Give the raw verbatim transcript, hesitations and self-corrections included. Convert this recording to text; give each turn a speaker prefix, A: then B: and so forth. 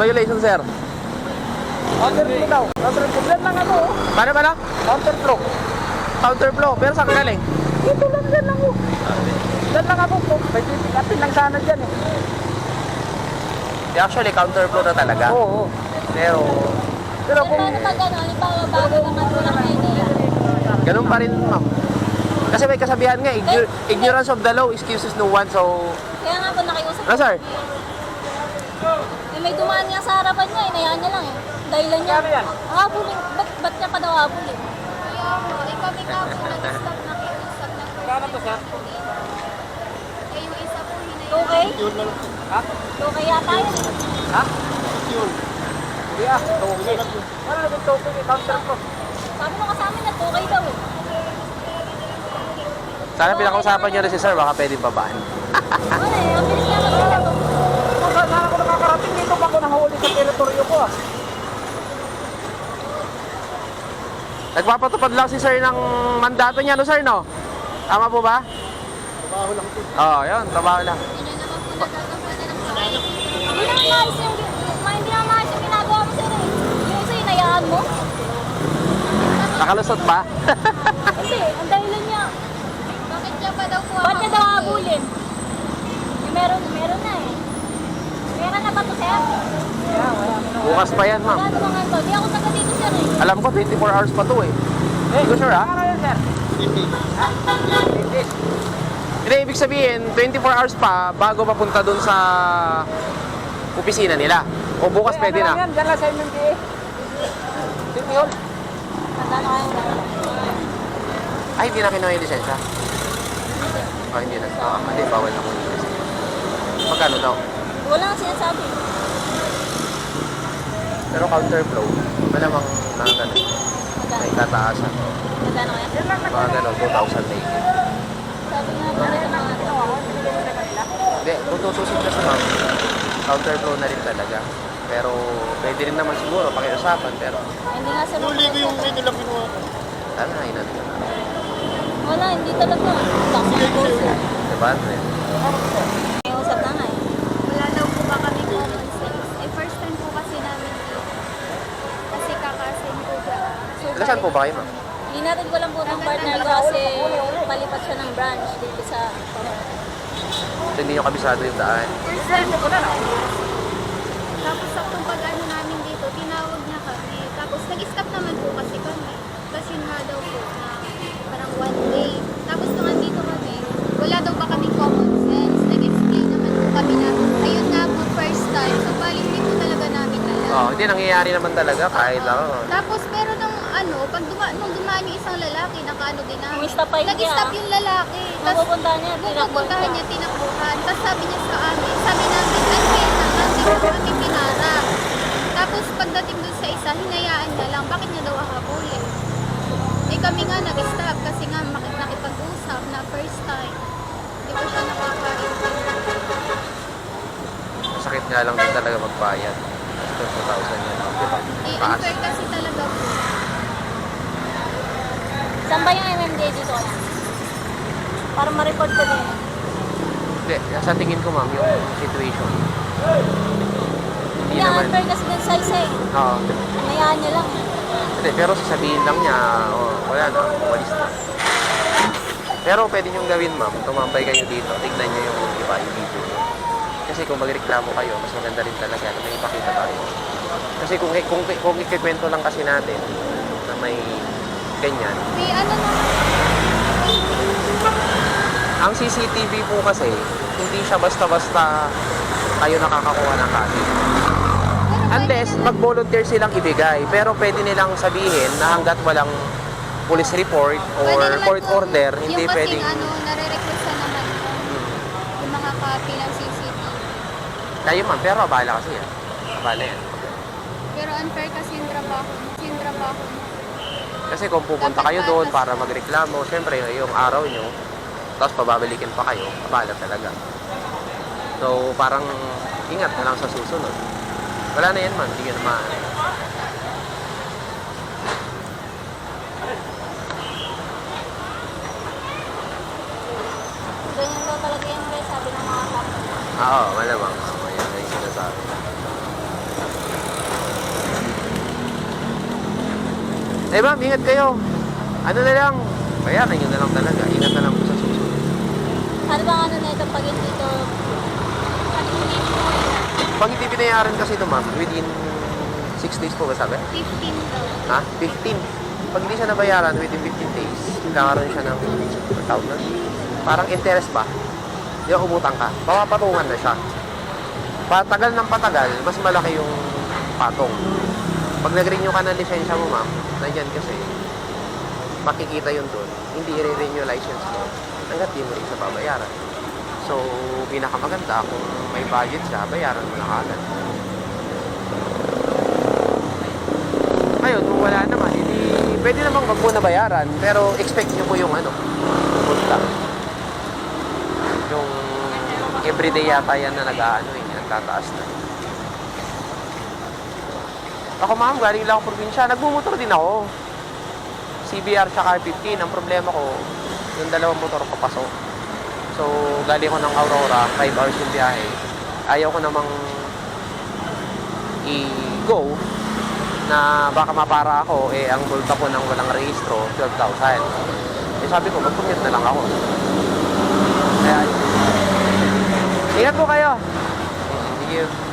A: violation, sir?
B: Counterflow daw. Counterflow. Yan lang ano.
A: Paano ba na?
B: Counterflow.
A: Counterflow. Pero saan ka galing?
B: Ito lang yan lang oh. Yan lang ako po. May titikatin lang sana dyan eh.
A: Actually, counterflow na talaga.
B: Oo.
A: Pero,
B: Pero kung...
C: Paano pag ano, halimbawa bago naman walang idea?
A: ganun pa rin, ma'am. Kasi may kasabihan nga, igno- ignorance of the law excuses no one, so...
C: Kaya nga po nakiusap.
A: Ano, sir?
C: Eh, may dumaan nga sa harapan niya, inayaan niya lang eh. Dahilan niya,
B: Ano yan?
C: habulin. Ba't, ba't niya pa daw habulin?
D: Kaya mo, eh kami nga po nag-stop na kiusap ng
B: Kano to, sir?
D: Eh yung isa po hinayaan.
C: Okay?
B: Ha?
C: Okay yata yun eh.
B: Ha? Hindi ah. Token. Wala na yung token eh. Counterflow.
C: Sabi mo kasama na, okay daw eh.
A: Sana pinakausapan niyo rin si sir, baka pwedeng babaan.
C: Ano eh, ang bilis niya mag-usap.
B: Kung saan saan ako nakakarating dito pa ako nahuli sa teritoryo ko ah.
A: Nagpapatupad lang si sir ng mandato niya, no, sir, no? Tama po ba?
B: Trabaho lang po.
A: Oo, yun, trabaho lang.
D: Yun na naman po nagkakaroon ng sakay.
C: Hindi naman maayos yung, ma- hindi naman maayos yung ginagawa mo sir eh. Yung isa, inayaan mo.
A: Nakalusot ba?
C: Hindi, ang dahilan niya.
D: Bakit niya pa daw po
C: Ba't niya daw habulin? Eh, meron, meron na eh. Meron na ba to sir?
A: Bukas pa yan, ma'am.
C: Wala naman to. Di ako taga dito sir eh.
A: Alam ko, twenty-four hours pa to, eh. Hindi ko sure, ha?
B: Ano yan, sir? Hindi. Hindi.
A: Hindi, ibig sabihin, twenty-four hours pa bago papunta dun sa opisina nila. O bukas pwede
B: Ano lang
A: na.
B: yan? Dyan lang sa M M D A. City Hall.
C: Tanda na kayo na.
A: Ay, hindi na kinuha yung lisensya. Ah, hindi na. Ah, hindi, bawal na muna yung lisensya. Magkano daw?
C: Wala nga sinasabi.
A: Pero counterflow, malamang na ganun. May tataasan.
C: Tanda na kayo?
A: Mga ganun, two thousand na higit.
C: Sabi nga po nito mga ito.
A: Hindi, kung tutusin kasi ma'am, counterflow na rin talaga. Pero pwede rin naman siguro pakiusapan, pero
C: Hindi nga sir.
B: Huli ko yung ito lang kinuha ko.
A: tama na, inat ka na.
C: Wala, hindi talaga. Taxi po sir.
A: Diba, Andre?
C: May usap na nga eh.
D: Wala daw po ba kami common sense. Eh first time po kasi namin dito. Kasi kakasin po ba. So,
A: Saan po ba kayo, ma'am?
C: Linatid ko lang po ng partner ko kasi palipat siya ng branch dito sa
A: So, hindi nyo kabisado yung daan.
D: First time po na Tapos saktong pag-ano namin dito, tinawag niya kami. Tapos nag-stop naman po kasi kami. Tapos yun nga daw po na parang one way. Tapos nung andito kami, wala daw pa kaming common sense. Nag-explain naman po kami na ayun nga po first time. So bali hindi po talaga namin alam.
A: Oo, oh, hindi nangyayari naman talaga kahit lang. Oh.
D: Tapos pero nung ano, pag duma nung dumaan yung isang lalaki, nakaano din namin.
C: Umistop pa yun
D: Nag-stop
C: niya.
D: yung lalaki. Tapos
C: Mapupuntahan niya, tinakbuhan
D: pupuntahan
C: niya.
D: niya, tinakbuhan. Tapos sabi niya sa amin, sabi namin, ay kaya naman, di ba kami pinara. Tapos pagdating dun sa isa, hinayaan niya lang, bakit niya daw hahabulin? Eh kami nga nag-stop kasi nga mak- nakipag-usap na first time. Di ba siya nakaka-intindi?
A: Sakit nga lang din talaga magbayad. Kasi two thousand yan. Diba?
D: Eh,
A: Taas.
D: unfair kasi talaga po.
C: Saan ba yung M M D A dito kaya? Para ma-report ko din.
A: Hindi, sa tingin ko ma'am, yung situation. Hindi
C: Hindi,
A: naman.
C: unfair kasi dun sa isa eh.
A: Oo.
C: Hinayaan niya lang eh.
A: Hindi, pero sasabihin lang niya, oh, wala na, walis na. Pero pwede niyong gawin ma'am, tumambay kayo dito, tignan niyo yung iba, yung video niyo. Kasi kung magreklamo kayo, mas maganda rin talaga na may ipakita tayo. Kasi kung, kung, kung ikikwento lang kasi natin na may ganyan,
D: May ano naman,
A: ang C C T V po kasi, hindi siya basta-basta kayo nakakakuha ng copy. Unless mag-volunteer silang ibigay, pero pwede nilang sabihin na hanggat walang police report or
D: pwede naman
A: court
D: po,
A: order, hindi
D: yung kasing
A: pwedeng...
D: ano, nare-requestan naman po, yung mga copy ng C C T V.
A: Kayo ma'am, pero abala kasi yan. Abala yan.
D: Pero unfair kasi yung trabaho, yung trabaho.
A: Kasi kung pupunta kayo doon para magreklamo, syempre yung araw nyo, tapos pababalikin pa kayo, abala talaga. So parang ingat na lang sa susunod. Wala na yan man, hindi ka naman.
C: Ganyan daw talaga yan guys, sabi ng mga kapatid.
A: Oo, malamang. Oo, yan na yung sinasabi. Eh ma'am, ingat kayo. Ano na lang, bayaran nyo na lang talaga. Ingat na lang po sa susunod.
C: Ano bang ano na ito pag hindi ito, ano hindi ito mo yun?
A: Pag hindi binayaran kasi ito ma'am, within six days po ba sabi?
D: fifteen daw.
A: Ha? fifteen. Pag hindi siya nabayaran within fifteen days, kakaroon siya ng tawag na. Parang interest ba? Di ba umutang ka? Papapatungan na siya. Patagal ng patagal, mas malaki yung patong. Pag nag-renew ka ng lisensya mo ma'am, nandyan kasi, makikita yun doon. Hindi i-renew license mo hanggat di mo rin siya babayaran. So, pinakamaganda kung may budget siya, bayaran mo na kagad. Ngayon, kung wala naman, hindi, pwede namang wag mo na bayaran, pero expect nyo po yung ano, utang. Yung everyday yata yan na nag-ano eh, nagtataas na. Ako ma'am, galing lang ako probinsya, nagmumotor din ako. C B R tsaka R fifteen, ang problema ko, yung dalawang motor papasok. So, galing ko ng Aurora, five hours yung biyahe. Ayaw ko namang i-go na baka mapara ako, eh, ang multa ko ng walang rehistro, twelve thousand. Eh, sabi ko, mag-commute na lang ako. Kaya, ingat po kayo. Thank you.